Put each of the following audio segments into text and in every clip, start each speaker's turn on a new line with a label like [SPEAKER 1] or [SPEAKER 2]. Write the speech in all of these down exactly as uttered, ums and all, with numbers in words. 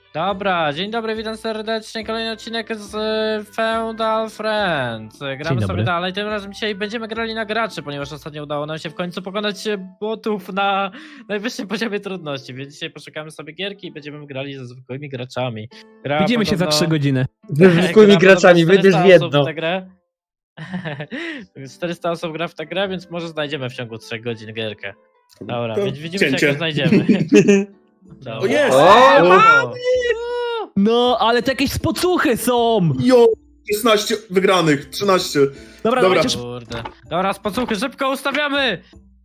[SPEAKER 1] Dobra, dzień dobry, witam serdecznie. Kolejny odcinek z y, Feudal Friends. Gramy sobie dalej. Tym razem dzisiaj będziemy grali na graczy, ponieważ ostatnio udało nam się w końcu pokonać botów na najwyższym poziomie trudności. Więc dzisiaj poszukamy sobie gierki i będziemy grali ze zwykłymi graczami. Gra
[SPEAKER 2] Widzimy
[SPEAKER 1] podobno...
[SPEAKER 2] się za trzy godziny.
[SPEAKER 3] Ze zwykłymi graczami, wyjdziesz w jedno.
[SPEAKER 1] W tę grę. czterysta osób gra w tę grę, więc może znajdziemy w ciągu trzech godzin gierkę. Dobra,
[SPEAKER 4] To
[SPEAKER 1] więc widzimy się,
[SPEAKER 4] cięcie.
[SPEAKER 1] jak ją znajdziemy. Dobra.
[SPEAKER 4] O jest!
[SPEAKER 1] O!
[SPEAKER 2] No, ale to jakieś spocuchy są!
[SPEAKER 4] Jo! szesnaście wygranych, trzynaście.
[SPEAKER 2] Dobra,
[SPEAKER 4] Dobra.
[SPEAKER 2] dawajcie szybko.
[SPEAKER 1] Kurde. Dobra, spacuchy, szybko ustawiamy!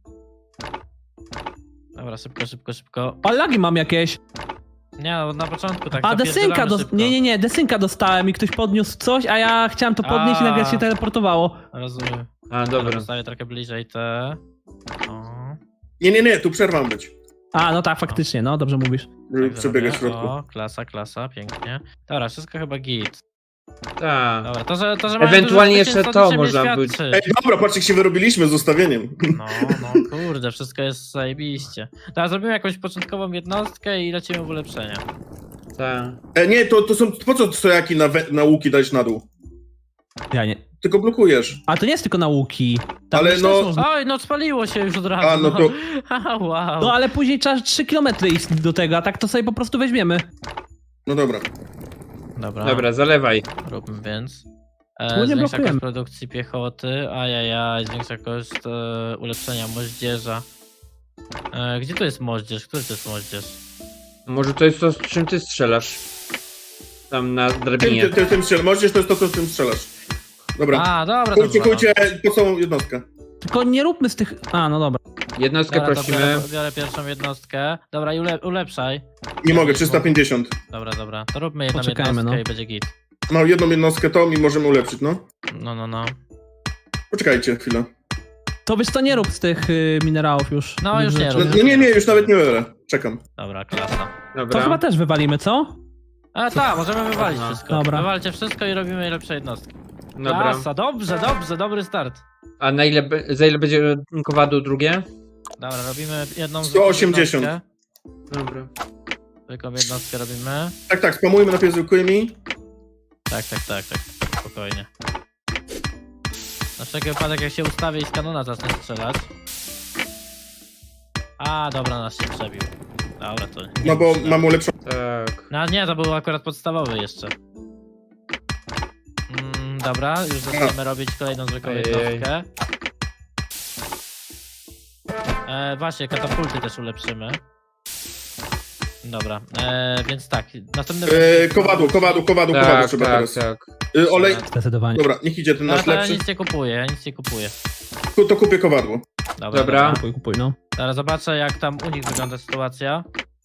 [SPEAKER 1] Dobra, szybko, szybko, szybko.
[SPEAKER 2] A lagi mam jakieś.
[SPEAKER 1] Nie no, na początku tak
[SPEAKER 2] A desynka
[SPEAKER 1] zapierdzielamy
[SPEAKER 2] dos...
[SPEAKER 1] szybko.
[SPEAKER 2] Nie, nie, nie, desynka dostałem i ktoś podniósł coś, a ja chciałem to podnieść
[SPEAKER 1] A.
[SPEAKER 2] i nagle się teleportowało.
[SPEAKER 1] Rozumiem.
[SPEAKER 3] A,
[SPEAKER 1] Dobra,
[SPEAKER 3] dobra.
[SPEAKER 1] stawię trochę bliżej te. O.
[SPEAKER 4] Nie, nie, nie, tu przerwa ma być.
[SPEAKER 2] A, no tak, faktycznie, no dobrze mówisz.
[SPEAKER 4] Żeby
[SPEAKER 1] Tak
[SPEAKER 4] przebiegać w
[SPEAKER 1] zrobię.
[SPEAKER 4] środku.
[SPEAKER 1] O, klasa, klasa, pięknie. Dobra, wszystko chyba git.
[SPEAKER 3] Tak.
[SPEAKER 1] Dobra, to, że, to, że mamy
[SPEAKER 3] Ewentualnie
[SPEAKER 1] dużo
[SPEAKER 3] jeszcze
[SPEAKER 1] zwycięstw,
[SPEAKER 3] to
[SPEAKER 1] niczym nie
[SPEAKER 3] można być.
[SPEAKER 1] świadczy.
[SPEAKER 4] Ej, dobra, patrzcie, jak się wyrobiliśmy z ustawieniem.
[SPEAKER 1] No, no, kurde, wszystko jest zajebiście. Teraz zrobimy jakąś początkową jednostkę i lecimy w ulepszenia.
[SPEAKER 3] Tak.
[SPEAKER 4] E, nie, to, to są, po co stojaki na, we, na łuki dać na dół?
[SPEAKER 2] Ja nie.
[SPEAKER 4] Tylko blokujesz.
[SPEAKER 2] A to nie jest tylko nauki. Tam
[SPEAKER 4] Ale
[SPEAKER 2] też
[SPEAKER 4] no-
[SPEAKER 2] też można...
[SPEAKER 1] Oj, no spaliło się już od razu.
[SPEAKER 4] A, no to-
[SPEAKER 1] Haha, wow.
[SPEAKER 2] No ale później trzeba trzy kilometry iść do tego, a tak to sobie po prostu weźmiemy.
[SPEAKER 4] No dobra.
[SPEAKER 1] Dobra,
[SPEAKER 3] Dobra, zalewaj.
[SPEAKER 1] róbmy więc.
[SPEAKER 2] Tu
[SPEAKER 1] E,
[SPEAKER 2] nie
[SPEAKER 1] zwiększa
[SPEAKER 2] blokujemy.
[SPEAKER 1] koszt produkcji piechoty, ajajaj, zwiększa koszt e, ulepszenia moździerza. E, gdzie to jest moździerz? Który to jest moździerz?
[SPEAKER 3] Może to jest to, z czym ty strzelasz? Tam na
[SPEAKER 4] Tym,
[SPEAKER 3] drabinie.
[SPEAKER 4] ty, ty, tym strzelasz. Możesz, to jest to, co tym strzelasz. Dobra.
[SPEAKER 1] A, dobra,
[SPEAKER 4] Kujcie,
[SPEAKER 1] dobra.
[SPEAKER 4] kujcie po całą jednostkę.
[SPEAKER 2] Tylko nie róbmy z tych... A, no dobra.
[SPEAKER 3] Jednostkę
[SPEAKER 1] Dobra, to
[SPEAKER 3] prosimy.
[SPEAKER 1] biorę, biorę pierwszą jednostkę. Dobra, i ule, ulepszaj.
[SPEAKER 4] Nie mogę, trzysta pięćdziesiąt.
[SPEAKER 1] Dobra, dobra. To róbmy jedną
[SPEAKER 2] Poczekajmy,
[SPEAKER 1] jednostkę
[SPEAKER 2] no.
[SPEAKER 1] i będzie git.
[SPEAKER 4] No, jedną jednostkę to i możemy ulepszyć, no.
[SPEAKER 1] No, no, no.
[SPEAKER 4] Poczekajcie chwilę.
[SPEAKER 2] To wiesz co, nie rób z tych y, minerałów już.
[SPEAKER 1] No, już nie
[SPEAKER 4] No,
[SPEAKER 1] rób.
[SPEAKER 4] no nie, nie, już nawet nie biorę. Czekam.
[SPEAKER 1] Dobra, klasa.
[SPEAKER 2] To
[SPEAKER 3] Dobra.
[SPEAKER 2] chyba też wywalimy, co?
[SPEAKER 1] A tak, możemy wywalić
[SPEAKER 3] Aha.
[SPEAKER 1] wszystko.
[SPEAKER 2] Dobra.
[SPEAKER 1] Wywalcie wszystko i robimy lepsze jednostki.
[SPEAKER 3] Dobra.
[SPEAKER 1] Klasa, dobrze, dobrze, dobry start.
[SPEAKER 3] A na ile, be- za ile będzie kowadło drugie?
[SPEAKER 1] Dobra, robimy jedną
[SPEAKER 4] sto osiemdziesiąt.
[SPEAKER 1] jednostkę.
[SPEAKER 3] Dobra.
[SPEAKER 1] Zwykłą jednostkę robimy.
[SPEAKER 4] Tak, tak, spamujmy najpierw zwykłymi.
[SPEAKER 1] Tak, tak, tak, tak. Spokojnie. Na wszelki wypadek jak się ustawię i z kanona zacznę strzelać. A, dobra, nas się przebił. Dobra, to nie
[SPEAKER 4] No bo
[SPEAKER 1] muszę.
[SPEAKER 4] mam ulepszoną.
[SPEAKER 3] Tak.
[SPEAKER 1] No nie, to był akurat podstawowy jeszcze. Mm, dobra, już zaczniemy robić kolejną zwykłą
[SPEAKER 3] Ojej.
[SPEAKER 1] jednostkę. E, właśnie, katapulty też ulepszymy. Dobra, e, więc tak, następny...
[SPEAKER 4] E, kowadło, kowadło, kowadło, kowadło
[SPEAKER 3] Tak,
[SPEAKER 4] trzeba
[SPEAKER 3] tak,
[SPEAKER 4] teraz.
[SPEAKER 3] tak.
[SPEAKER 4] E, olej.
[SPEAKER 2] Zdecydowanie.
[SPEAKER 4] Dobra, niech idzie ten
[SPEAKER 1] No,
[SPEAKER 4] nasz
[SPEAKER 1] to ja
[SPEAKER 4] lepszy.
[SPEAKER 1] nic nie kupuję, ja nic nie kupuję.
[SPEAKER 4] Tu to kupię kowadło.
[SPEAKER 1] Dobra,
[SPEAKER 3] Dobra.
[SPEAKER 2] Kupuj, kupuj, no.
[SPEAKER 1] Teraz zobaczę jak tam u nich wygląda sytuacja.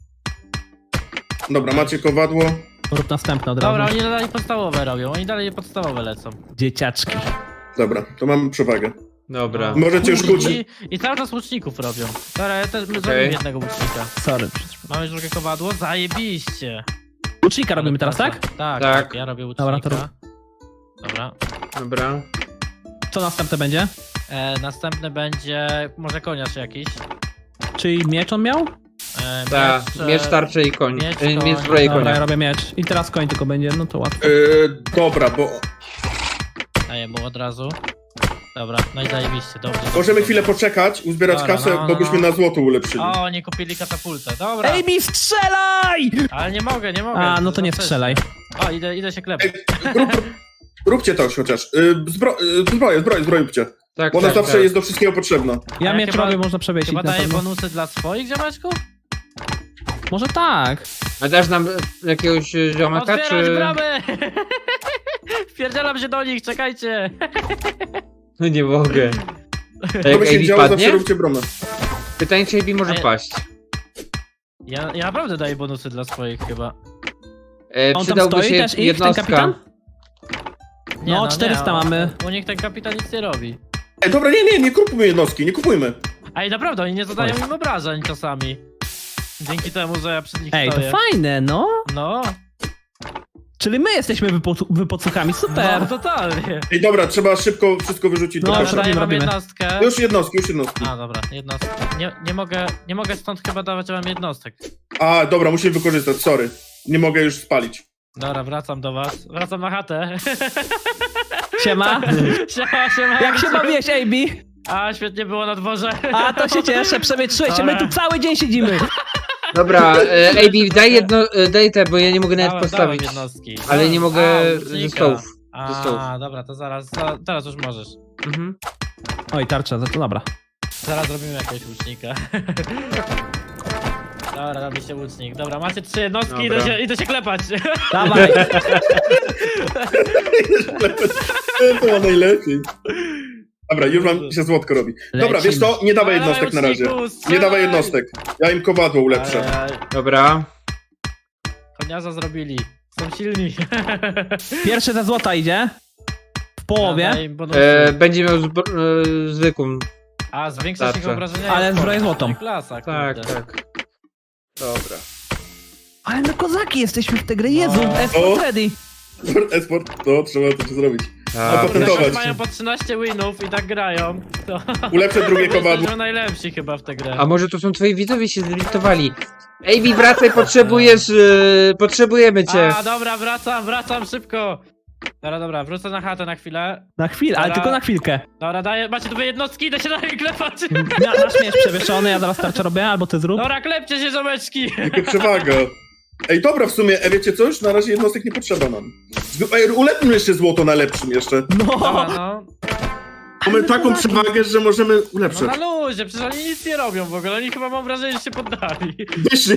[SPEAKER 4] Dobra, macie kowadło.
[SPEAKER 2] Rób następne od razu.
[SPEAKER 1] Dobra, oni dalej podstawowe robią, oni dalej podstawowe lecą.
[SPEAKER 2] Dzieciaczki.
[SPEAKER 4] Dobra, to mamy przewagę.
[SPEAKER 3] Dobra.
[SPEAKER 4] Możecie już kłócić.
[SPEAKER 1] I, I cały czas łuczników robią. Dobra, ja też
[SPEAKER 3] Okej.
[SPEAKER 1] zrobimy jednego łucznika.
[SPEAKER 2] Sorry.
[SPEAKER 1] Mamy już drugie kowadło, zajebiście.
[SPEAKER 2] Łucznika robimy teraz, tak?
[SPEAKER 1] Tak, tak,
[SPEAKER 3] Tak.
[SPEAKER 1] ja robię łucznika.
[SPEAKER 2] Dobra, to rób.
[SPEAKER 1] Dobra.
[SPEAKER 3] Dobra.
[SPEAKER 2] Co następne będzie?
[SPEAKER 1] E, następny będzie może koniarz jakiś.
[SPEAKER 2] Czyli miecz on miał?
[SPEAKER 1] E,
[SPEAKER 3] Tak.
[SPEAKER 1] miecz,
[SPEAKER 3] Miecz,
[SPEAKER 1] e,
[SPEAKER 3] tarczy i koń.
[SPEAKER 1] miecz,
[SPEAKER 3] Miecz,
[SPEAKER 1] koń.
[SPEAKER 3] miecz zbroję i
[SPEAKER 2] Dobra, ja
[SPEAKER 3] konia.
[SPEAKER 2] robię miecz. I teraz koń tylko będzie, no to łatwo.
[SPEAKER 4] E, dobra, bo
[SPEAKER 1] Daję mu od razu. Dobra, no i zajebiście, dobrze.
[SPEAKER 4] możemy
[SPEAKER 1] dobrze.
[SPEAKER 4] chwilę poczekać, uzbierać
[SPEAKER 1] Dobra,
[SPEAKER 4] kasę,
[SPEAKER 1] no, no,
[SPEAKER 4] bo byśmy
[SPEAKER 1] no.
[SPEAKER 4] na złoto ulepszyli.
[SPEAKER 1] O, oni kupili katapultę, dobra.
[SPEAKER 2] Ej, mi strzelaj!
[SPEAKER 1] Ale nie mogę, nie mogę.
[SPEAKER 2] A, no to nie
[SPEAKER 1] Za
[SPEAKER 2] strzelaj.
[SPEAKER 1] wcześnie. O, idę, idę się klepać.
[SPEAKER 4] Ej, rób, róbcie to chociaż. Y, Zbro, y, zbroję, zbroję, zbroję róbcie.
[SPEAKER 3] Tak,
[SPEAKER 4] Bo ona
[SPEAKER 3] tak,
[SPEAKER 4] zawsze
[SPEAKER 3] tak.
[SPEAKER 4] jest do wszystkiego potrzebna.
[SPEAKER 2] Ja
[SPEAKER 1] A
[SPEAKER 2] miecz
[SPEAKER 1] chyba-
[SPEAKER 2] robię, można przewiesić
[SPEAKER 1] Chyba
[SPEAKER 2] na
[SPEAKER 1] daje
[SPEAKER 2] pewno.
[SPEAKER 1] bonusy dla swoich, ziomeczku?
[SPEAKER 2] Może tak.
[SPEAKER 3] A dasz nam jakiegoś e, ziomaka,
[SPEAKER 1] Otwierać
[SPEAKER 3] czy...
[SPEAKER 1] bramę! Wpierdzielam się do nich, czekajcie!
[SPEAKER 3] No nie mogę. A
[SPEAKER 4] To
[SPEAKER 3] jak
[SPEAKER 4] by się
[SPEAKER 3] Amy
[SPEAKER 4] działo, zawsze
[SPEAKER 3] padnie?
[SPEAKER 4] róbcie bramę.
[SPEAKER 3] Pytanie, czy Amy może
[SPEAKER 1] A ja-
[SPEAKER 3] paść.
[SPEAKER 1] Ja, ja naprawdę daję bonusy dla swoich chyba.
[SPEAKER 3] E,
[SPEAKER 2] On tam
[SPEAKER 3] przydałby
[SPEAKER 2] stoi
[SPEAKER 3] się
[SPEAKER 2] też ich, ten
[SPEAKER 3] jednostka.
[SPEAKER 2] kapitan?
[SPEAKER 1] Nie,
[SPEAKER 2] No, czterysta
[SPEAKER 1] nie,
[SPEAKER 2] mamy.
[SPEAKER 1] U, u nich ten kapitan nic nie robi.
[SPEAKER 4] Ej, dobra, nie, nie, nie kupujmy jednostki, nie kupujmy.
[SPEAKER 1] A i naprawdę, oni nie zadają
[SPEAKER 2] Oj.
[SPEAKER 1] im obrażeń czasami. Dzięki temu, że ja przy nich
[SPEAKER 2] Ej, to
[SPEAKER 1] stoję.
[SPEAKER 2] fajne, no.
[SPEAKER 1] No,
[SPEAKER 2] Czyli my jesteśmy wypocu- wypocuchami, super.
[SPEAKER 1] no totalnie.
[SPEAKER 4] Ej, dobra, trzeba szybko wszystko wyrzucić.
[SPEAKER 2] No,
[SPEAKER 4] do
[SPEAKER 1] Dobra,
[SPEAKER 4] kosza.
[SPEAKER 2] robimy,
[SPEAKER 1] daję wam
[SPEAKER 2] robimy.
[SPEAKER 1] jednostkę.
[SPEAKER 4] Już jednostki, już jednostki.
[SPEAKER 1] A, dobra, jednostkę. Nie, nie mogę, nie mogę stąd chyba dawać wam jednostek.
[SPEAKER 4] A, dobra, musimy wykorzystać, sorry. nie mogę już spalić.
[SPEAKER 1] Dobra, wracam do was. Wracam na chatę.
[SPEAKER 2] Siema.
[SPEAKER 1] Siema, siema.
[SPEAKER 2] Jak się bawiłeś, A B?
[SPEAKER 1] A, świetnie było na dworze.
[SPEAKER 2] A, to się cieszę, przewietrzyłeś się, my tu cały dzień siedzimy.
[SPEAKER 3] Dobra, e, A B, daj jedno, e, daj te, bo ja nie mogę nawet
[SPEAKER 1] Dałem-
[SPEAKER 3] postawić.
[SPEAKER 1] dałem jednostki.
[SPEAKER 3] Ale nie mogę
[SPEAKER 1] A,
[SPEAKER 3] ze
[SPEAKER 1] łucznika.
[SPEAKER 3] stołów. Ze stołów.
[SPEAKER 1] A, dobra, to zaraz, za- teraz już możesz.
[SPEAKER 3] Mhm.
[SPEAKER 2] Oj, tarcza, to dobra.
[SPEAKER 1] Zaraz zrobimy jakiegoś łucznika. Dobra, robi się łucznik. Dobra, macie trzy jednostki, idę
[SPEAKER 3] Dobra.
[SPEAKER 1] się, idę się klepać.
[SPEAKER 2] Dawaj.
[SPEAKER 4] To ma najlepiej. Dobra, już wam się złotko robi. Dobra,
[SPEAKER 2] Lecimy.
[SPEAKER 4] wiesz co? Nie dawaj
[SPEAKER 1] Dawaj,
[SPEAKER 4] jednostek na razie.
[SPEAKER 1] łuczniku,
[SPEAKER 4] Nie
[SPEAKER 1] strzelaj!
[SPEAKER 4] dawaj jednostek. Ja im kowadło ulepszę.
[SPEAKER 1] Aj,
[SPEAKER 3] Dobra.
[SPEAKER 1] Koniarza zrobili. Są silni.
[SPEAKER 2] Pierwszy ze złota idzie. W połowie.
[SPEAKER 1] Daj im bonusy.
[SPEAKER 3] E, będzie miał zbro- e, zwykłą.
[SPEAKER 1] A, zwiększa się
[SPEAKER 3] Tarczę.
[SPEAKER 1] jego obrażenia.
[SPEAKER 2] Ale
[SPEAKER 1] jak
[SPEAKER 2] zbroję
[SPEAKER 1] sport.
[SPEAKER 2] złotą.
[SPEAKER 1] Klasa,
[SPEAKER 3] Tak,
[SPEAKER 1] kurde.
[SPEAKER 3] tak. Dobra.
[SPEAKER 2] Ale my kozaki jesteśmy w tej grze. Jezu,
[SPEAKER 1] No.
[SPEAKER 2] Esport ready.
[SPEAKER 4] Esport, to trzeba to zrobić.
[SPEAKER 3] A,
[SPEAKER 4] potem
[SPEAKER 3] proszę.
[SPEAKER 4] Patentować.
[SPEAKER 1] Jak mają po trzynaście winów i tak grają, to
[SPEAKER 4] Ulepszę drugie kowadło.
[SPEAKER 1] jesteśmy najlepsi chyba w tę grę.
[SPEAKER 3] A może to są twoi widzowie się zlimitowali? A B, wracaj, potrzebujesz, e, potrzebujemy cię.
[SPEAKER 1] A, dobra, wracam, wracam szybko. Dobra, dobra, wrócę na chatę na chwilę.
[SPEAKER 2] Na chwilę, ale
[SPEAKER 1] Dobra.
[SPEAKER 2] tylko na chwilkę.
[SPEAKER 1] Dobra, daję, macie dwie jednostki, idę się na nie klepać.
[SPEAKER 2] Ja, nasz miecz przewieszony, ja zaraz tarczę robię, albo ty zrób.
[SPEAKER 1] Dobra, klepcie się, ziomeczki.
[SPEAKER 4] Jaka przewaga. Ej, dobra, w sumie, e, wiecie coś? Na razie jednostek nie potrzeba nam. Zwy- Ej, ulepmy jeszcze złoto na lepszym jeszcze.
[SPEAKER 1] Dobra,
[SPEAKER 2] No.
[SPEAKER 1] no.
[SPEAKER 4] Mamy taką przewagę, że możemy
[SPEAKER 1] No
[SPEAKER 4] ulepszyć.
[SPEAKER 1] na luzie, przecież oni nic nie robią w ogóle, oni chyba mam wrażenie, że się poddali.
[SPEAKER 4] Wyszli.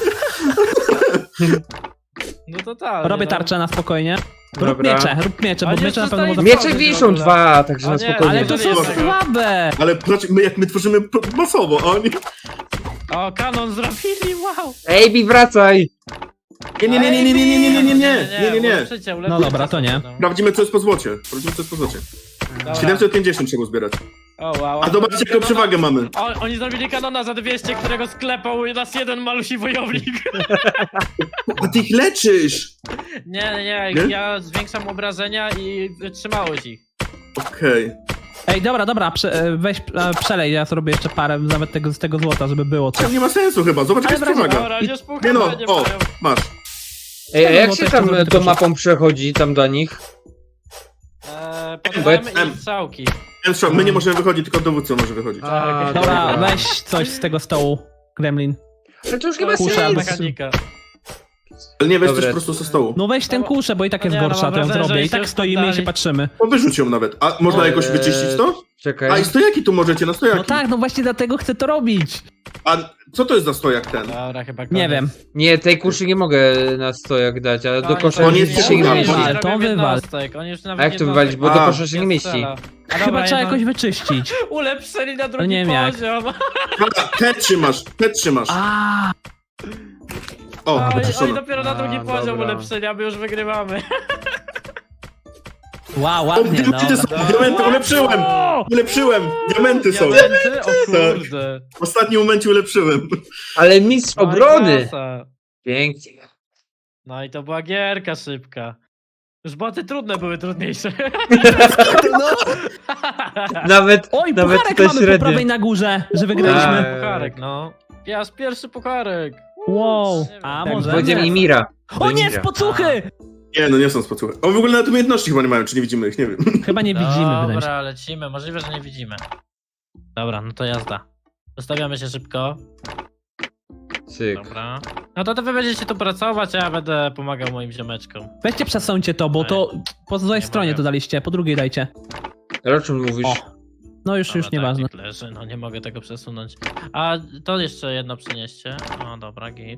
[SPEAKER 1] No totalnie.
[SPEAKER 2] Robię
[SPEAKER 1] no.
[SPEAKER 2] tarczę na spokojnie. Rób
[SPEAKER 3] Dobra.
[SPEAKER 2] miecze, rób miecze, bo
[SPEAKER 1] Oni
[SPEAKER 2] miecze na pewno
[SPEAKER 1] przestali-
[SPEAKER 2] mogą...
[SPEAKER 3] Miecze
[SPEAKER 1] Miecze
[SPEAKER 3] wiszą
[SPEAKER 1] w ogóle.
[SPEAKER 3] dwa, także
[SPEAKER 1] O
[SPEAKER 3] na
[SPEAKER 1] nie,
[SPEAKER 3] spokojnie.
[SPEAKER 2] Ale to są
[SPEAKER 1] Jednego.
[SPEAKER 2] słabe.
[SPEAKER 4] Ale patrz, my jak my tworzymy p- masowo, a oni...
[SPEAKER 1] O, kanon zrobili, wow.
[SPEAKER 3] A B, wracaj!
[SPEAKER 4] Nie, nie, nie, nie, nie, nie, nie, nie, nie, nie, nie, nie, nie.
[SPEAKER 1] Ulepszycie, ulepszycie
[SPEAKER 2] No dobra, to nie.
[SPEAKER 1] sobie,
[SPEAKER 4] Sprawdzimy, co jest po złocie. Sprawdzimy, co jest po złocie.
[SPEAKER 1] Dobra.
[SPEAKER 4] siedemset pięćdziesiąt trzeba zbierać.
[SPEAKER 1] O, wow.
[SPEAKER 4] A zobaczcie, jaką przewagę mamy.
[SPEAKER 1] O, oni zrobili kanona za dwieście, którego sklepał nas jeden malusi wojownik.
[SPEAKER 4] A ty ich leczysz!
[SPEAKER 1] Nie, nie, nie,
[SPEAKER 4] Nie?
[SPEAKER 1] ja zwiększam obrażenia i wytrzymałość ich.
[SPEAKER 4] Okej.
[SPEAKER 2] Ej, dobra, dobra, prze, e, weź, e, przelej, ja zrobię jeszcze parę nawet tego, z tego złota, żeby było
[SPEAKER 4] To
[SPEAKER 2] coś.
[SPEAKER 4] nie ma sensu chyba, zobacz, jaka
[SPEAKER 2] Ale
[SPEAKER 4] jest przewaga.
[SPEAKER 1] Dobra, nie spukam,
[SPEAKER 4] Nie no,
[SPEAKER 1] nie
[SPEAKER 4] o,
[SPEAKER 1] mają.
[SPEAKER 4] masz.
[SPEAKER 3] Ej, a
[SPEAKER 2] No,
[SPEAKER 3] jak
[SPEAKER 2] to
[SPEAKER 3] się
[SPEAKER 2] jeszcze
[SPEAKER 3] tam
[SPEAKER 2] zrobię
[SPEAKER 3] e,
[SPEAKER 2] tylko
[SPEAKER 3] tą mapą przechodzi, tam do nich?
[SPEAKER 1] Eee, podawajmy
[SPEAKER 4] Em.
[SPEAKER 1] im strzałki.
[SPEAKER 4] Ten strzał, my nie możemy wychodzić, tylko dowódca może wychodzić.
[SPEAKER 3] A,
[SPEAKER 2] Dobra, weź coś z tego stołu, Gremlin.
[SPEAKER 3] Ale to już nie
[SPEAKER 1] To
[SPEAKER 3] ma
[SPEAKER 1] jest
[SPEAKER 2] Kuszę,
[SPEAKER 3] sensu.
[SPEAKER 1] mechanika.
[SPEAKER 4] Ale nie weź
[SPEAKER 3] Dobra.
[SPEAKER 4] też po prostu ze stołu.
[SPEAKER 2] No weź ten kuszę, bo i tak jest
[SPEAKER 1] Nie, no,
[SPEAKER 2] gorsza,
[SPEAKER 1] mam
[SPEAKER 2] to ją
[SPEAKER 1] wrażenie,
[SPEAKER 2] zrobię.
[SPEAKER 1] że
[SPEAKER 2] I tak
[SPEAKER 1] się
[SPEAKER 2] stoimy i się
[SPEAKER 1] poddali.
[SPEAKER 2] patrzymy.
[SPEAKER 4] O, wyrzuć ją nawet. A można
[SPEAKER 3] Eee,
[SPEAKER 4] jakoś wyczyścić to?
[SPEAKER 3] Czekaj.
[SPEAKER 4] A i stojaki tu możecie, na stojaki.
[SPEAKER 2] No tak, no właśnie dlatego chcę to robić.
[SPEAKER 4] A co to jest za stojak ten?
[SPEAKER 1] Dobra, chyba
[SPEAKER 2] Nie
[SPEAKER 1] koniec.
[SPEAKER 2] wiem.
[SPEAKER 3] Nie, tej kuszy nie mogę na stojak dać, ale do
[SPEAKER 1] Koniec,
[SPEAKER 3] kosza
[SPEAKER 4] On
[SPEAKER 3] nie
[SPEAKER 4] jest
[SPEAKER 3] się nie
[SPEAKER 4] ściągany.
[SPEAKER 3] mieści.
[SPEAKER 2] Wywal, to
[SPEAKER 1] robią
[SPEAKER 2] wywal.
[SPEAKER 1] jednostek, oni już nawet
[SPEAKER 3] A jak to
[SPEAKER 1] jednostek
[SPEAKER 3] wywalić, bo do
[SPEAKER 4] A.
[SPEAKER 3] kosza się nie mieści.
[SPEAKER 1] strzela. A
[SPEAKER 2] Chyba
[SPEAKER 1] dobra,
[SPEAKER 2] trzeba
[SPEAKER 1] jedno-
[SPEAKER 2] jakoś wyczyścić.
[SPEAKER 1] Ulepszyli na drugi
[SPEAKER 2] nie wiem jak.
[SPEAKER 1] poziom.
[SPEAKER 4] Dobra, te trzymasz, te trzymasz.
[SPEAKER 2] A,
[SPEAKER 4] O,
[SPEAKER 1] Oj, oj,
[SPEAKER 4] wyczyszczone.
[SPEAKER 1] dopiero na drugi
[SPEAKER 3] A,
[SPEAKER 1] poziom
[SPEAKER 3] dobra.
[SPEAKER 1] ulepszyli, a my już wygrywamy.
[SPEAKER 2] wow,
[SPEAKER 4] O,
[SPEAKER 2] ładnie, no.
[SPEAKER 4] diamenty są, diamenty ulepszyłem!
[SPEAKER 2] O!
[SPEAKER 4] Ulepszyłem! Diamenty są!
[SPEAKER 1] Diamenty? O kurde.
[SPEAKER 4] W ostatnim momencie ulepszyłem.
[SPEAKER 3] Ale mistrz
[SPEAKER 1] Oj,
[SPEAKER 3] obrony!
[SPEAKER 1] klasa.
[SPEAKER 3] Pięknie.
[SPEAKER 1] No i to była gierka szybka. Już boty trudne były trudniejsze.
[SPEAKER 3] Nawet,
[SPEAKER 2] Oj,
[SPEAKER 3] nawet
[SPEAKER 2] pucharek
[SPEAKER 3] to
[SPEAKER 2] mamy po
[SPEAKER 3] średnio.
[SPEAKER 2] prawej na górze, że
[SPEAKER 3] Tak.
[SPEAKER 2] wygraliśmy.
[SPEAKER 1] Pucharek, no. Jaż pierwszy pucharek.
[SPEAKER 2] Wow.
[SPEAKER 1] Nie wiem.
[SPEAKER 2] A
[SPEAKER 3] Tak,
[SPEAKER 2] może...
[SPEAKER 3] Wojdziem i Mira.
[SPEAKER 2] O nie,
[SPEAKER 3] Mira.
[SPEAKER 2] spocuchy!
[SPEAKER 4] Nie, no nie są spocuchy. O, w ogóle nawet umiejętności chyba nie mają, czy nie widzimy ich, nie wiem.
[SPEAKER 2] Chyba nie widzimy, wydaje mi się.
[SPEAKER 1] Dobra, lecimy. Możliwe, że nie widzimy. Dobra, no to jazda. Ustawiamy się szybko.
[SPEAKER 3] Cyk.
[SPEAKER 1] Dobra. No to, to wy będziecie tu pracować, a ja będę pomagał moim ziomeczkom.
[SPEAKER 2] Weźcie przesuńcie to, bo to po złej
[SPEAKER 1] Nie
[SPEAKER 2] stronie
[SPEAKER 1] mogę.
[SPEAKER 2] to daliście, po drugiej dajcie.
[SPEAKER 3] Ale o czym mówisz?
[SPEAKER 2] O. No już,
[SPEAKER 1] Dobra,
[SPEAKER 2] już nieważne.
[SPEAKER 1] tak, leży, no nie mogę tego przesunąć. A to jeszcze jedno przynieście. O, dobra, git.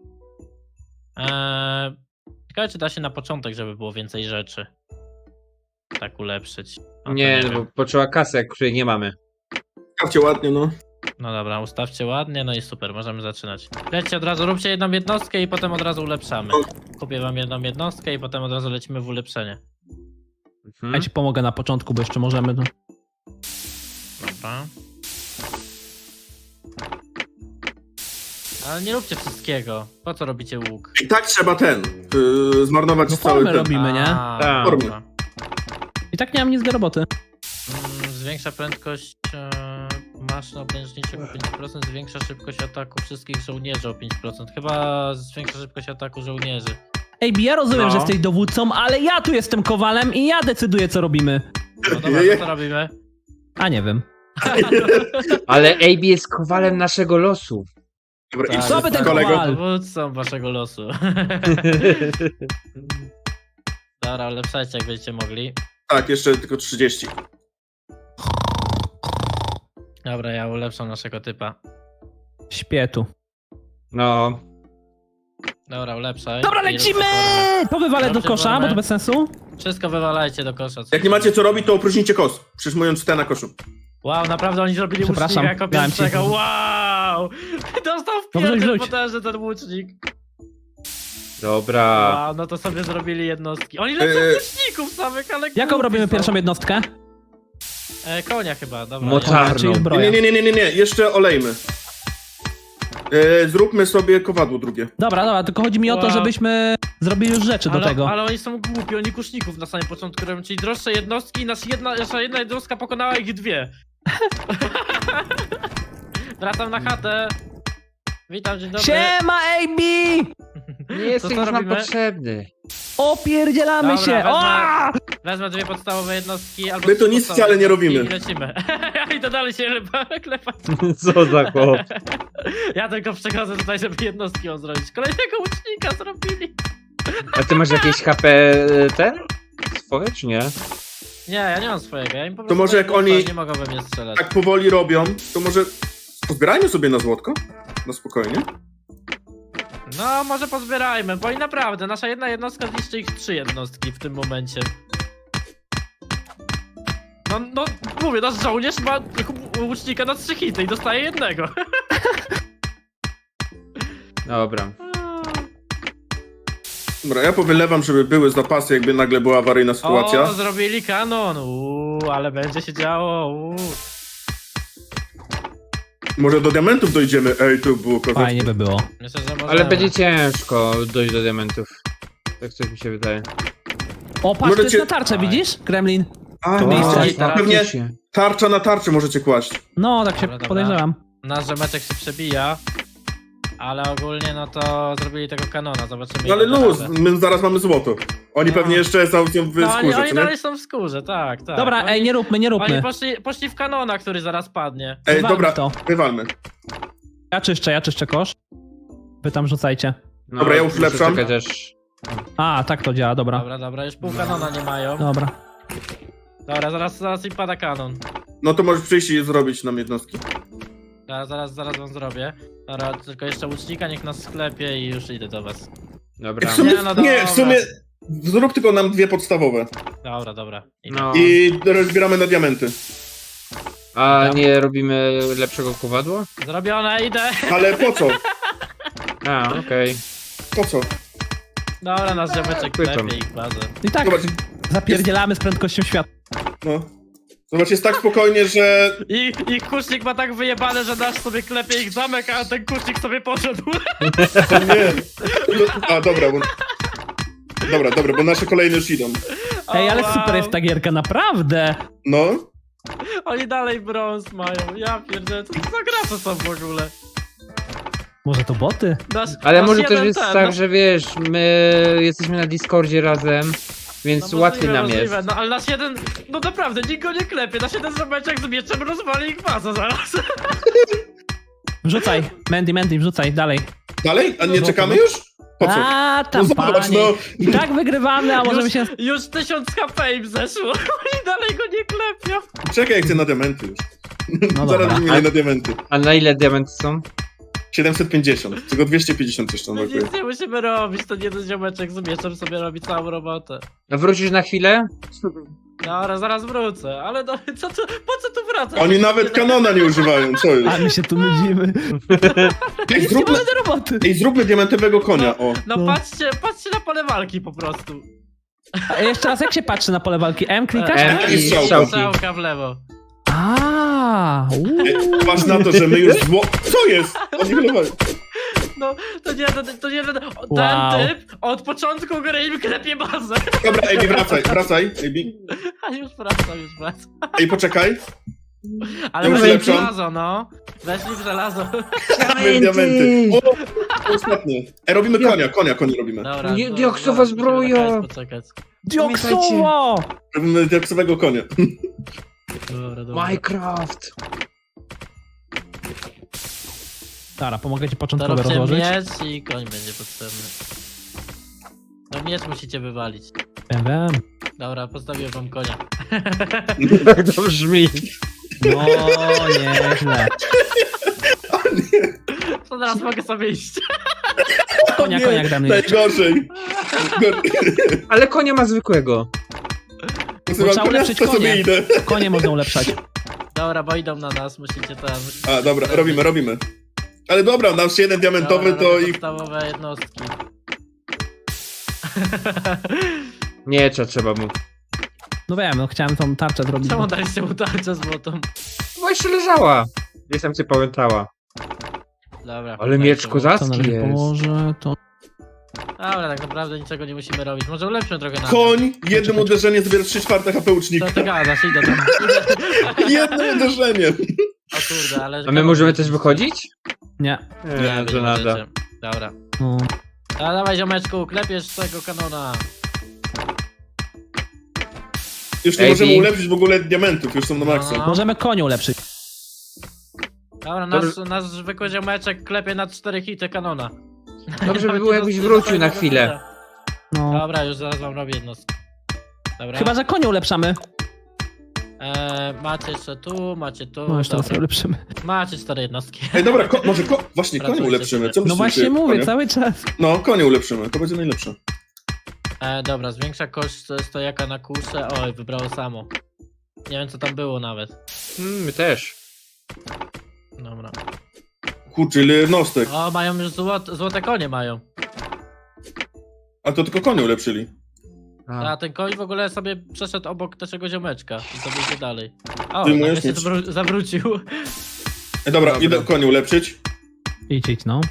[SPEAKER 1] Eee, ciekawe, czy da się na początek, żeby było więcej rzeczy. Tak ulepszyć. O, to
[SPEAKER 3] Nie, no
[SPEAKER 1] wiem.
[SPEAKER 3] bo potrzeba kasy, której nie mamy.
[SPEAKER 4] Stawcie ładnie, no.
[SPEAKER 1] No dobra, ustawcie ładnie, no i super, możemy zaczynać. Lećcie od razu, róbcie jedną jednostkę i potem od razu ulepszamy. Kupię wam jedną jednostkę i potem od razu lecimy w ulepszenie.
[SPEAKER 2] Ja
[SPEAKER 3] Mhm.
[SPEAKER 2] ci pomogę na początku, bo jeszcze możemy. No.
[SPEAKER 1] Dobra. Ale nie róbcie wszystkiego. Po co robicie łuk?
[SPEAKER 4] I tak trzeba ten, yy, zmarnować
[SPEAKER 2] No
[SPEAKER 4] cały
[SPEAKER 2] formy
[SPEAKER 4] ten.
[SPEAKER 2] robimy, nie?
[SPEAKER 1] A,
[SPEAKER 3] Tak.
[SPEAKER 1] dobra.
[SPEAKER 2] I tak nie mam nic do roboty.
[SPEAKER 1] Mm, Zwiększa prędkość e, Maszyna obręczniczego o pięć procent zwiększa szybkość ataku wszystkich żołnierzy o pięć procent. Chyba zwiększa szybkość ataku żołnierzy.
[SPEAKER 2] Ej, ja rozumiem,
[SPEAKER 4] No.
[SPEAKER 2] że jesteś dowódcą, ale ja tu jestem kowalem i ja decyduję, co robimy.
[SPEAKER 1] No dobra, to co robimy?
[SPEAKER 2] A nie wiem.
[SPEAKER 3] Ale A B jest kowalem naszego losu.
[SPEAKER 4] Dobra,
[SPEAKER 1] Tak,
[SPEAKER 4] idź
[SPEAKER 2] Co by
[SPEAKER 4] z
[SPEAKER 2] ten
[SPEAKER 4] kolego.
[SPEAKER 2] kowal?
[SPEAKER 1] Dowódcą waszego losu. Dobra, ulepszajcie jak będziecie mogli.
[SPEAKER 4] Tak, jeszcze tylko trzydzieści.
[SPEAKER 1] Dobra, ja ulepszam naszego typa.
[SPEAKER 2] Śpię tu.
[SPEAKER 3] No.
[SPEAKER 1] Dobra, ulepszaj.
[SPEAKER 2] Dobra,
[SPEAKER 1] I
[SPEAKER 2] lecimy!
[SPEAKER 1] rób
[SPEAKER 2] To wywalę do
[SPEAKER 1] Dobrze,
[SPEAKER 2] kosza, bo
[SPEAKER 1] wolne.
[SPEAKER 2] to bez sensu.
[SPEAKER 1] Wszystko wywalajcie do kosza. co-
[SPEAKER 4] Jak nie macie co robić, to opróżnijcie kos. Przyjmując te na koszu.
[SPEAKER 1] Wow, naprawdę oni zrobili
[SPEAKER 2] Przepraszam,
[SPEAKER 1] łucznika jako
[SPEAKER 2] dałem ci.
[SPEAKER 1] pierwszego. Wow! Dostał w
[SPEAKER 2] No wrzuć,
[SPEAKER 1] pierdol
[SPEAKER 2] wrzuć.
[SPEAKER 1] potężny ten łucznik.
[SPEAKER 3] Dobra.
[SPEAKER 1] Wow, no to sobie zrobili jednostki. Oni lecą
[SPEAKER 4] Eee.
[SPEAKER 1] łuczników samych, ale
[SPEAKER 2] Jaką
[SPEAKER 1] głupi
[SPEAKER 2] robimy
[SPEAKER 1] są.
[SPEAKER 2] pierwszą jednostkę?
[SPEAKER 1] E, konia chyba, dobra.
[SPEAKER 3] Mocarną.
[SPEAKER 2] Czyli
[SPEAKER 4] Nie,
[SPEAKER 2] zbroja.
[SPEAKER 4] nie, nie, nie, nie, nie. Jeszcze olejmy. E, zróbmy sobie kowadło drugie.
[SPEAKER 2] Dobra, dobra, tylko chodzi mi o to,
[SPEAKER 1] Wow.
[SPEAKER 2] żebyśmy zrobili już rzeczy
[SPEAKER 1] ale,
[SPEAKER 2] do tego.
[SPEAKER 1] ale oni są głupi, oni kuszników na samym początku robią, czyli droższe jednostki i nasza jedna, nasza jedna jednostka pokonała ich dwie. Wracam na chatę. Witam, dzień dobry.
[SPEAKER 2] Siema, A B!
[SPEAKER 3] Nie jesteś
[SPEAKER 1] co
[SPEAKER 3] już nam
[SPEAKER 1] robimy?
[SPEAKER 3] potrzebny.
[SPEAKER 2] Opierdzielamy
[SPEAKER 1] Dobra,
[SPEAKER 2] się!
[SPEAKER 1] wezmę-
[SPEAKER 2] O!
[SPEAKER 1] Wezmę dwie podstawowe jednostki albo
[SPEAKER 4] My to
[SPEAKER 1] trzy
[SPEAKER 4] nic
[SPEAKER 1] podstawowe
[SPEAKER 4] wcale nie
[SPEAKER 1] jednostki
[SPEAKER 4] robimy.
[SPEAKER 1] I lecimy. Ja idę dalej się klepać.
[SPEAKER 3] Co za chłop.
[SPEAKER 1] Ja tylko przechodzę tutaj, żeby jednostki on zrobić. Kolejnego łucznika zrobili.
[SPEAKER 3] A ty masz jakieś H P ten? Swoje czy nie?
[SPEAKER 1] Nie, ja nie mam swojego. Ja im po prostu
[SPEAKER 4] może
[SPEAKER 1] daję
[SPEAKER 4] jak
[SPEAKER 1] buffa,
[SPEAKER 4] oni-
[SPEAKER 1] nie mogą we mnie strzelać.
[SPEAKER 4] Tak powoli robią, to może pozbierajmy sobie na złotko? Na spokojnie.
[SPEAKER 1] No, może pozbierajmy, bo i naprawdę, nasza jedna jednostka zniszczy ich trzy jednostki w tym momencie. No, no, mówię, nasz żołnierz ma łucznika na trzy hity i dostaje jednego.
[SPEAKER 3] Dobra.
[SPEAKER 4] Dobra, ja powylewam, żeby były zapasy, jakby nagle była awaryjna sytuacja.
[SPEAKER 1] O, zrobili kanon, uuu, ale będzie się działo, uuu.
[SPEAKER 4] Może do diamentów dojdziemy. Ej, to było kozackie.
[SPEAKER 2] Fajnie by było.
[SPEAKER 1] Myślę, że możemy.
[SPEAKER 3] Ale będzie ciężko dojść do diamentów. Tak coś mi się wydaje.
[SPEAKER 2] O, patrz, to jest
[SPEAKER 4] Możecie-
[SPEAKER 2] na tarczę, widzisz? Kremlin.
[SPEAKER 4] A,
[SPEAKER 2] To miejsce.
[SPEAKER 4] no,
[SPEAKER 1] I teraz-
[SPEAKER 4] pewnie
[SPEAKER 3] faktycznie.
[SPEAKER 4] tarcza na tarczę możecie kłaść.
[SPEAKER 2] No, tak się
[SPEAKER 1] Dobra, dobra.
[SPEAKER 2] podejrzewam.
[SPEAKER 1] Nasz rzemeczek się przebija, ale ogólnie no to zrobili tego kanona, zobaczymy.
[SPEAKER 4] No ale
[SPEAKER 1] ile da
[SPEAKER 4] luz,
[SPEAKER 1] radę.
[SPEAKER 4] my zaraz mamy złoto. Oni
[SPEAKER 1] No.
[SPEAKER 4] pewnie jeszcze są w w
[SPEAKER 1] No, oni,
[SPEAKER 4] skórze,
[SPEAKER 1] oni
[SPEAKER 4] co nie?
[SPEAKER 1] dalej są w skórze, tak, tak.
[SPEAKER 2] Dobra,
[SPEAKER 1] oni,
[SPEAKER 2] ej, nie róbmy, nie
[SPEAKER 1] Oni
[SPEAKER 2] róbmy.
[SPEAKER 1] poszli, poszli w kanona, który zaraz padnie.
[SPEAKER 4] Ej,
[SPEAKER 2] Wywalmy
[SPEAKER 4] dobra,
[SPEAKER 2] to.
[SPEAKER 4] wywalmy.
[SPEAKER 2] Ja czyszczę, ja czyszczę kosz. Wy tam rzucajcie.
[SPEAKER 3] No,
[SPEAKER 4] Dobra, ja już
[SPEAKER 3] muszę
[SPEAKER 4] lepszam.
[SPEAKER 3] czekać aż...
[SPEAKER 2] A, tak to działa, dobra.
[SPEAKER 1] Dobra, dobra, już pół kanona nie mają.
[SPEAKER 2] Dobra.
[SPEAKER 1] Dobra, zaraz, zaraz im pada kanon.
[SPEAKER 4] No to możesz przyjść i zrobić nam jednostki.
[SPEAKER 1] Zaraz, zaraz, zaraz wam zrobię. Dobra, tylko jeszcze łucznika niech nas sklepie i już idę do was.
[SPEAKER 3] Dobra.
[SPEAKER 4] W sumie,
[SPEAKER 1] Nie, no
[SPEAKER 4] nie,
[SPEAKER 1] dobra.
[SPEAKER 4] w sumie zrób tylko nam dwie podstawowe.
[SPEAKER 1] Dobra, dobra. Idę.
[SPEAKER 3] No.
[SPEAKER 4] I rozbieramy na diamenty.
[SPEAKER 3] A nie robimy lepszego kowadła?
[SPEAKER 1] Zrobione, idę!
[SPEAKER 4] Ale po co?
[SPEAKER 3] A, okej.
[SPEAKER 4] Po co?
[SPEAKER 1] Dobra, nasz ziomeczek
[SPEAKER 3] Pytam.
[SPEAKER 1] klepie ich bazę.
[SPEAKER 2] I tak
[SPEAKER 4] Zobacz,
[SPEAKER 2] zapierdzielamy z prędkością światła.
[SPEAKER 4] no. Zobacz, jest tak spokojnie, że...
[SPEAKER 1] I ich kusznik ma tak wyjebane, że nasz sobie klepie ich zamek, a ten kusznik sobie poszedł.
[SPEAKER 4] Nie. No, a, dobra, bo... Dobra, dobra, bo nasze kolejne już idą.
[SPEAKER 2] Ej, ale
[SPEAKER 1] O, wow.
[SPEAKER 2] super jest ta gierka, naprawdę.
[SPEAKER 4] No.
[SPEAKER 1] Oni dalej brąz mają, ja pierdzielę, co to za gra to są w ogóle?
[SPEAKER 2] Może to boty?
[SPEAKER 1] Nasz,
[SPEAKER 3] Ale
[SPEAKER 1] nasz
[SPEAKER 3] może też
[SPEAKER 1] jeden
[SPEAKER 3] jest
[SPEAKER 1] ten,
[SPEAKER 3] tak,
[SPEAKER 1] no-
[SPEAKER 3] że wiesz, my jesteśmy na Discordzie razem, więc
[SPEAKER 1] no
[SPEAKER 3] łatwiej
[SPEAKER 1] możliwe,
[SPEAKER 3] nam jest.
[SPEAKER 1] możliwe. No ale nasz jeden, no naprawdę, nikt go nie klepie, nasz jeden zobeczek z mieczem rozwali ich bazę zaraz.
[SPEAKER 2] Wrzucaj, Mandy, Mandy, wrzucaj, dalej.
[SPEAKER 4] Dalej? A nie
[SPEAKER 2] No,
[SPEAKER 4] czekamy
[SPEAKER 2] no.
[SPEAKER 4] już? Po co?
[SPEAKER 2] A,
[SPEAKER 4] No
[SPEAKER 2] tam
[SPEAKER 4] zobacz,
[SPEAKER 2] panie.
[SPEAKER 4] no.
[SPEAKER 2] I tak wygrywamy, a możemy się...
[SPEAKER 1] Już tysiąc H P im zeszło, oni dalej go nie klepią.
[SPEAKER 4] Czekaj, jak chcę na diamenty już.
[SPEAKER 2] No
[SPEAKER 4] Zaraz
[SPEAKER 2] dobra.
[SPEAKER 4] wymienię na diamenty.
[SPEAKER 3] A na ile diamenty są?
[SPEAKER 4] siedemset pięćdziesiąt, tylko dwieście pięćdziesiąt jeszcze
[SPEAKER 1] My
[SPEAKER 4] brakuje.
[SPEAKER 1] nic nie musimy robić, ten jeden ziomeczek z mieczem sobie robi całą robotę.
[SPEAKER 3] A wrócisz na chwilę?
[SPEAKER 1] Dobra, zaraz wrócę, ale no, co tu, po co tu wracać?
[SPEAKER 4] Oni nawet kanona nie używają, co
[SPEAKER 2] A
[SPEAKER 4] jest?
[SPEAKER 2] my się tu nudzimy.
[SPEAKER 4] Ej,
[SPEAKER 2] Nie
[SPEAKER 4] zróbmy,
[SPEAKER 2] mamy do roboty.
[SPEAKER 4] ej, zróbmy diamentowego konia, o.
[SPEAKER 1] No,
[SPEAKER 2] No.
[SPEAKER 1] patrzcie, patrzcie na pole walki po prostu.
[SPEAKER 2] A jeszcze raz, jak się patrzy na pole walki? M klikasz?
[SPEAKER 3] M
[SPEAKER 4] i
[SPEAKER 3] i
[SPEAKER 4] strzałka.
[SPEAKER 3] strzałki.
[SPEAKER 1] Strzałka w lewo.
[SPEAKER 2] A, uuu.
[SPEAKER 4] Ej, patrz na to, że my już zło... Co jest? Oni wylewali.
[SPEAKER 1] No, to nie, to, to nie, ten
[SPEAKER 2] Wow.
[SPEAKER 1] typ od początku gry im klepie bazę.
[SPEAKER 4] Dobra, Ebi, wracaj, wracaj, Ebi.
[SPEAKER 1] A już wracam, już wracam.
[SPEAKER 4] Ej, poczekaj.
[SPEAKER 1] Ale
[SPEAKER 4] Ja
[SPEAKER 1] weszli w
[SPEAKER 4] ulepszam.
[SPEAKER 1] żelazo, no. Weszli w żelazo.
[SPEAKER 4] Mamy diamenty. O, ostatnie. E, robimy konia, konia, konia robimy.
[SPEAKER 1] Dobra.
[SPEAKER 3] Nie,
[SPEAKER 1] no,
[SPEAKER 3] dioksowa
[SPEAKER 1] dobra, musimy
[SPEAKER 3] zbroja.
[SPEAKER 1] na koniec poczekać.
[SPEAKER 2] Dioksowo!
[SPEAKER 4] Robimy diaksowego konia.
[SPEAKER 1] Dobra, dobra.
[SPEAKER 3] Minecraft.
[SPEAKER 2] Dobra, pomogę ci
[SPEAKER 1] To
[SPEAKER 2] początkowo
[SPEAKER 1] róbcie
[SPEAKER 2] rozłożyć.
[SPEAKER 1] miecz i koń będzie potrzebny. No miecz musicie wywalić.
[SPEAKER 2] Wiem, wiem.
[SPEAKER 1] Dobra, postawiłem wam konia.
[SPEAKER 3] Tak to brzmi.
[SPEAKER 2] No, nieźle.
[SPEAKER 1] To teraz mogę sobie iść.
[SPEAKER 2] Konia,
[SPEAKER 4] Nie,
[SPEAKER 2] konia, jak dam
[SPEAKER 4] najgorzej.
[SPEAKER 3] Ale konia ma zwykłego.
[SPEAKER 4] Posyłam
[SPEAKER 2] trzeba
[SPEAKER 4] konia,
[SPEAKER 2] ulepszyć
[SPEAKER 4] to sobie
[SPEAKER 2] konie.
[SPEAKER 4] idę.
[SPEAKER 2] Konie można ulepszać.
[SPEAKER 1] Dobra, bo idą na nas, musicie teraz. Musicie
[SPEAKER 4] A, dobra, robimy, robimy. Ale dobra, dam się jeden diamentowy,
[SPEAKER 1] Dobra,
[SPEAKER 4] to
[SPEAKER 1] robię
[SPEAKER 4] ich...
[SPEAKER 1] podstawowe jednostki.
[SPEAKER 3] Miecza trzeba mu.
[SPEAKER 2] No wiem, no chciałem tą tarczę zrobić.
[SPEAKER 1] Czemu daliście mu tarczę złotą?
[SPEAKER 3] Bo jeszcze leżała. Gdzieś tam się pamiętała.
[SPEAKER 1] Dobra.
[SPEAKER 3] Ale
[SPEAKER 1] dajcie
[SPEAKER 3] miecz
[SPEAKER 1] mu.
[SPEAKER 2] To
[SPEAKER 3] kozacki
[SPEAKER 2] należy
[SPEAKER 3] jest.
[SPEAKER 2] położę, to...
[SPEAKER 1] Dobra, tak naprawdę niczego nie musimy robić. Może ulepszymy trochę na.
[SPEAKER 4] Koń, jednym uderzeniem zabiera trzy czwarte H P łucznika.
[SPEAKER 1] Co ty gadasz? Idę tam.
[SPEAKER 4] Jednym uderzeniem.
[SPEAKER 1] O kurde, ale...
[SPEAKER 3] A my możemy też wychodzić?
[SPEAKER 2] Nie.
[SPEAKER 1] Nie,
[SPEAKER 3] Nie,
[SPEAKER 1] wy
[SPEAKER 3] że
[SPEAKER 1] nie
[SPEAKER 3] nada.
[SPEAKER 1] możecie. Dobra.
[SPEAKER 2] No.
[SPEAKER 1] A dawaj ziomeczku, klepiesz tego kanona.
[SPEAKER 4] Już nie
[SPEAKER 3] Ej,
[SPEAKER 4] możemy
[SPEAKER 3] Bi.
[SPEAKER 4] ulepszyć w ogóle diamentów, już są na maksa.
[SPEAKER 1] No.
[SPEAKER 2] Możemy konie ulepszyć.
[SPEAKER 1] Dobra, nasz, nasz zwykły ziomeczek klepie na cztery hity kanona.
[SPEAKER 3] Dobrze by
[SPEAKER 1] Nie
[SPEAKER 3] było,
[SPEAKER 1] ma
[SPEAKER 3] jakbyś
[SPEAKER 1] nic
[SPEAKER 3] wrócił
[SPEAKER 1] do
[SPEAKER 3] na
[SPEAKER 1] tego
[SPEAKER 3] chwilę.
[SPEAKER 1] hita.
[SPEAKER 2] No.
[SPEAKER 1] Dobra, już zaraz wam robię jednostkę. Dobra.
[SPEAKER 2] Chyba, że konie ulepszamy.
[SPEAKER 1] E, macie jeszcze tu, macie tu.
[SPEAKER 2] No, jeszcze raz
[SPEAKER 1] dobra.
[SPEAKER 2] ulepszymy.
[SPEAKER 1] Macie cztery jednostki.
[SPEAKER 4] Ej, dobra, ko może ko właśnie konie
[SPEAKER 1] Pracujcie
[SPEAKER 4] ulepszymy.
[SPEAKER 1] sobie.
[SPEAKER 4] Co
[SPEAKER 2] No
[SPEAKER 4] myślicie?
[SPEAKER 2] właśnie mówię,
[SPEAKER 4] Konie?
[SPEAKER 2] cały czas.
[SPEAKER 4] No, konie ulepszymy, to będzie najlepsze.
[SPEAKER 1] E, dobra, zwiększa koszt stojaka na kuszę. Oj, wybrało samo. Nie wiem co tam było nawet.
[SPEAKER 3] Hmm, my też.
[SPEAKER 1] Dobra.
[SPEAKER 4] Kurczę, ile jednostek.
[SPEAKER 1] O, mają już złot, złote konie mają.
[SPEAKER 4] A to tylko konie ulepszyli.
[SPEAKER 3] A.
[SPEAKER 1] A ten koń w ogóle sobie przeszedł obok naszego ziomeczka i sobie idzie dalej. O,
[SPEAKER 4] Wyjmujesz
[SPEAKER 1] nagle się
[SPEAKER 4] miecz.
[SPEAKER 1] zawró- zawrócił.
[SPEAKER 4] Ej, dobra,
[SPEAKER 3] Dobra.
[SPEAKER 4] idę konie ulepszyć.
[SPEAKER 2] Idź, idź, no.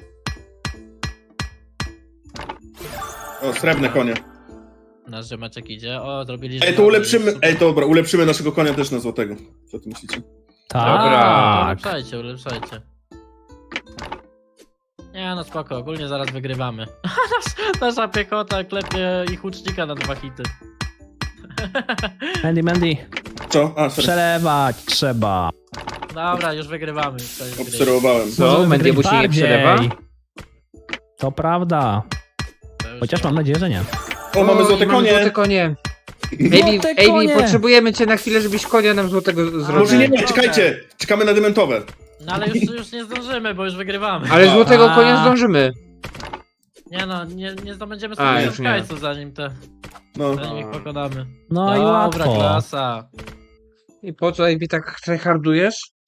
[SPEAKER 4] O, srebrne konie.
[SPEAKER 1] Nasz ziomeczek idzie. O, zrobili
[SPEAKER 4] Ej, to
[SPEAKER 1] żelazo,
[SPEAKER 4] ulepszymy,
[SPEAKER 1] jest super.
[SPEAKER 4] ej, dobra, ulepszymy naszego konia też na złotego. Co ty myślicie?
[SPEAKER 3] Dobra.
[SPEAKER 1] A,
[SPEAKER 2] Tak.
[SPEAKER 1] Ulepszajcie, ulepszajcie. Nie no spoko, ogólnie zaraz wygrywamy. Nasz, nasza piechota klepie ich łucznika na dwa hity.
[SPEAKER 2] Mandy, Mandy.
[SPEAKER 4] Co? A, sorry.
[SPEAKER 2] Przelewać trzeba.
[SPEAKER 1] Dobra, już wygrywamy. Koniec gry.
[SPEAKER 4] Obserwowałem.
[SPEAKER 3] Co?
[SPEAKER 2] Możemy
[SPEAKER 3] Mandy
[SPEAKER 2] wygryć
[SPEAKER 3] musi nie
[SPEAKER 2] bardziej.
[SPEAKER 3] przelewa?
[SPEAKER 2] To prawda.
[SPEAKER 1] To już
[SPEAKER 2] Chociaż mam nadzieję, że nie.
[SPEAKER 4] O, mamy złote
[SPEAKER 3] mamy Złote
[SPEAKER 4] konie.
[SPEAKER 3] konie.
[SPEAKER 2] Złote
[SPEAKER 3] Ejbi,
[SPEAKER 2] konie!
[SPEAKER 3] potrzebujemy cię na chwilę, żebyś konia nam złotego
[SPEAKER 4] Może
[SPEAKER 3] zrobił.
[SPEAKER 4] nie, nie, czekajcie. Czekamy na dementowe.
[SPEAKER 1] No ale już, już nie zdążymy, bo już wygrywamy.
[SPEAKER 3] Ale złotego
[SPEAKER 2] A.
[SPEAKER 3] konia zdążymy.
[SPEAKER 1] Nie no, nie, nie zdobędziemy
[SPEAKER 3] A,
[SPEAKER 1] sobie
[SPEAKER 3] już nie.
[SPEAKER 1] mieszkańców zanim te,
[SPEAKER 4] No.
[SPEAKER 1] zanim ich pokonamy.
[SPEAKER 2] No i
[SPEAKER 1] Dobra,
[SPEAKER 2] łatwo.
[SPEAKER 1] klasa.
[SPEAKER 3] I po co, Ejbi, tak tryhardujesz?